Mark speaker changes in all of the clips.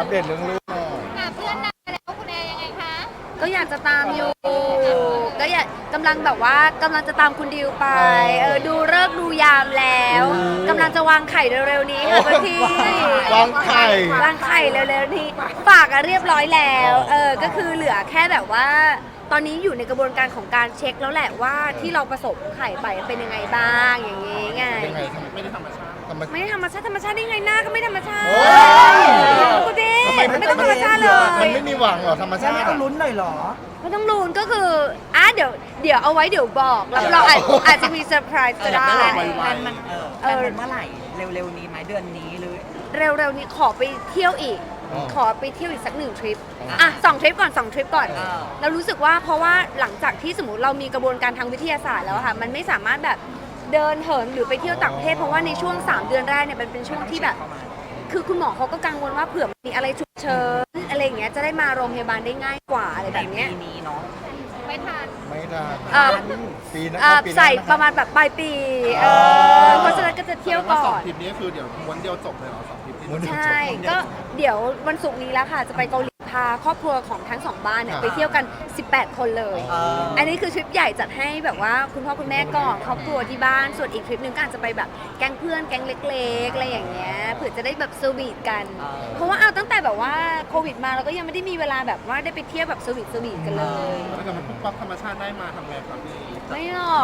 Speaker 1: อัปเดตเรื่องลูกหน่อย
Speaker 2: เพื่อนนานแล้วคุณแอร์ยังไงคะ
Speaker 3: ก็อยากจะตามอยู่ก็อยากกำลังแบบว่ากำลังจะตามคุณดิวไปดูฤกษ์ดูยามแล้วกำลังจะวางไข่เร็วๆนี้ค่ะพี่
Speaker 1: วางไข่
Speaker 3: วางไข่เร็วๆนี้ฝากเรียบร้อยแล้วก็คือเหลือแค่แบบว่า ตอนนี้อยู่ในกระบวนการของการเช็คแล้วแหละว่าที่เราผสมไข่ไปเป็นยังไงบ้างอย่างงี้ไง
Speaker 1: ยังไงไม่ได้ธรรมชาติ
Speaker 3: ไม่ได้ธรรมชาติได้ไงหน้าก็ไม่ธรรมชาติ
Speaker 1: โอ้ย
Speaker 3: กูดิ
Speaker 1: ทำไม
Speaker 3: ไม่ต้องธรรมชาติเล
Speaker 1: มัน
Speaker 3: ย
Speaker 1: ไม่มีหวังเหรอธรรมชาติ
Speaker 4: ไม่ต้องลุ้นหน่อยเหรอ
Speaker 3: ไม่ต้องลุ้นก็คือเดี๋ยวเอาไว้เดี๋ยวบอกเราอาจจะมีเซอร์ไพรส์ก็ได้
Speaker 4: แพลนมันแพลนมันเมื่อไหร่เร็วๆนี้ไหมเดือนนี้หรือ
Speaker 3: เร็วๆนี้ขอไปเที่ยวอีก ขอไปเที่ยวอีกสัก1 ทริป2 ทริปก่อน2 ทริปก่อนเรารู้สึกว่าเพราะว่าหลังจากที่สมมติเรามีกระบวนการทางวิทยาศาสตร์แล้วค่ะมันไม่สามารถแบบเดินเหินหรือไปเที่ยวต่างประเทศเพราะว่าในช่วง3 เดือนแรกเนี่ยมันเป็นช่วงที่แบบ คือคุณหมอเขาก็กังวลว่าเผื่อมีอะไรฉุกเฉินอะไรอย่างเงี้ยจะได้มาโรงพยาบาลได้ง่ายกว่าอะไร
Speaker 4: ใน
Speaker 3: แบบเนี้ย
Speaker 4: ปีนี้เนาะ
Speaker 2: ไม่ทัน
Speaker 1: ไม่ได้ ปีหน้า
Speaker 3: ใส่ประมาณแบบปลายปีเพราะฉะนั้นก็จะเที่ยวก่อน
Speaker 5: ทริปนี้คือเดี๋ยวม้วนเดียวจบเลยเหรอ2 ทริปที่
Speaker 3: ใช่ก็เดี๋ยววันศุกร์นี้แล้วค่ะจะไปเกาหลีพาครอบครัวของทั้ง2 บ้านเนี่ยไปเที่ยวกัน18 คนเลย อันนี้คือทริปใหญ่จัดให้แบบว่าคุณพ่อคุณแม่ก่อนครอบครัวที่บ้านส่วนอีกทริปหนึงก็อาจจะไปแบบแก๊งเพื่อนแก๊งเล็กๆอะไรอย่างเงี้ยเผื่อจะได้แบบสวีทกัน เพราะว่าเอาตั้งแต่แบบว่าโควิดมาเราก็ยังไม่ได้มีเวลาแบบว่าได้ไปเที่ยวแบบสวีทกันเลย
Speaker 5: ถ้าเกิดมันปุ๊บปั๊บธรรมชาติได้มาทำไงครับพี่
Speaker 3: ไม่หรอก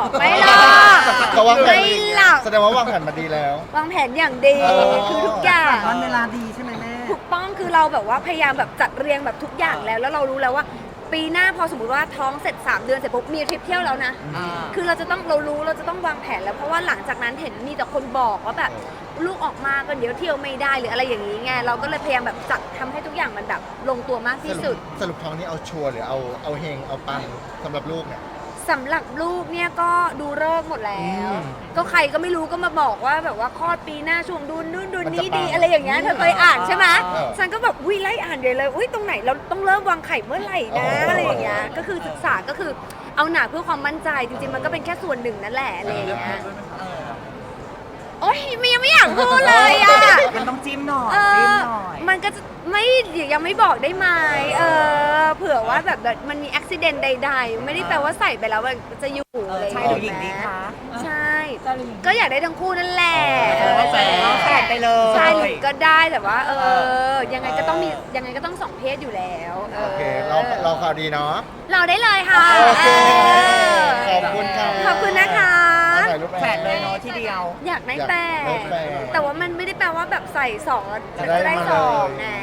Speaker 1: เขาวางแผน
Speaker 3: ไม่หรอก
Speaker 1: แสดงว่าวางแผนมาดีแล้ว
Speaker 3: วางแผนอย่างดีคือทุกอย่าง
Speaker 4: วันเวลาดีใช่ไหมแม่
Speaker 3: ถูกต้องคือเราแบบว่าพยายามแบบจัดเรียงแบบทุกอย่างแล้วเรารู้แล้วว่า ปีหน้าพอสมมติว่าท้องเสร็จ3 เดือนเสร็จปุ๊บมีทริปเที่ยวแล้วนะ คือเราจะต้องวางแผนแล้วเพราะว่าหลังจากนั้นเห็นมีแต่คนบอกว่าแบบลูกออกมาก็เดี๋ยวเที่ยวไม่ได้หรืออะไรอย่างนี้ไงเราก็เลยพยายามแบบจัดทำให้ทุกอย่างมันแบบลงตัวมากที่สุด
Speaker 1: สรุปท้องนี้เอาชัวร์หรือเอาเฮงเอาปังสำหรับลูกเนี่ย
Speaker 3: สำหรับลูกเนี่ยก็ดูฤกษ์หมดแล้ว
Speaker 1: อืม
Speaker 3: ก็ใครก็ไม่รู้ก็มาบอกว่าแบบว่าคลอดปีหน้าช่วงดูนู่นดู
Speaker 1: มันจะ
Speaker 3: นี้ดี
Speaker 1: ปัง
Speaker 3: อะไรอย่างเงี้ยเธอเคยอ่านใช่ไหม
Speaker 1: เออ
Speaker 3: ฉันก็แบบอุ้ยไล่อ่านเลยอุ้ยตรงไหนเราต้องเริ่มวางไข่เมื่อไหร่นะ
Speaker 1: อ๋ออ
Speaker 3: อะไรอย่างเงี้ยก็คือศึกษาก็คือเอาหนาเพื่อความมั่นใจจริงๆมันก็เป็นแค่ส่วนหนึ่งนั่นแหละอะไรอย่างเงี้ยโอ๊ยมันยังไม่อยากพูดเลยอ่ะ
Speaker 4: มันต้องจิ้มหน่อย
Speaker 3: เอ
Speaker 4: จิ้ม
Speaker 3: อ
Speaker 4: หน่อย
Speaker 3: มันก็จะไม่ยังไม่บอกได้ไหมเผื่อว่าแบบมันมีอุบิเหตุใดๆ ไม่ได้แปลว่าใส่ไปแล้วมันจะอยู่อะไรอย่าง
Speaker 4: ใช่
Speaker 3: เงี้ย
Speaker 4: หรือหญิงดีคะ
Speaker 3: ใช่ ก็อยากได้ทั้งคู่นั่นแหละ
Speaker 4: แฝดไปเลย
Speaker 3: ใช่หรือก็ได้แต่ว่ายังไงก็ต้อง2 เพศอยู่แล้ว
Speaker 1: โอเคเราข่าวดีเนาะ
Speaker 3: เราได้เลยค่ะ
Speaker 1: โอเค
Speaker 3: เอ
Speaker 1: ขอบคุณค่ะ
Speaker 3: ขอบคุณนะคะ
Speaker 1: ถ่ายรูป
Speaker 4: แฝดเลยเนาะที่เดียว
Speaker 3: อยากได้แต่
Speaker 1: อยากได้แต่
Speaker 3: แต่ว่ามันไม่ได้แปลว่าแบบใส่2แล้ว
Speaker 1: จะ
Speaker 3: จะ
Speaker 1: ได้
Speaker 3: ได้
Speaker 1: มา
Speaker 3: สอง
Speaker 1: เลย
Speaker 3: นะ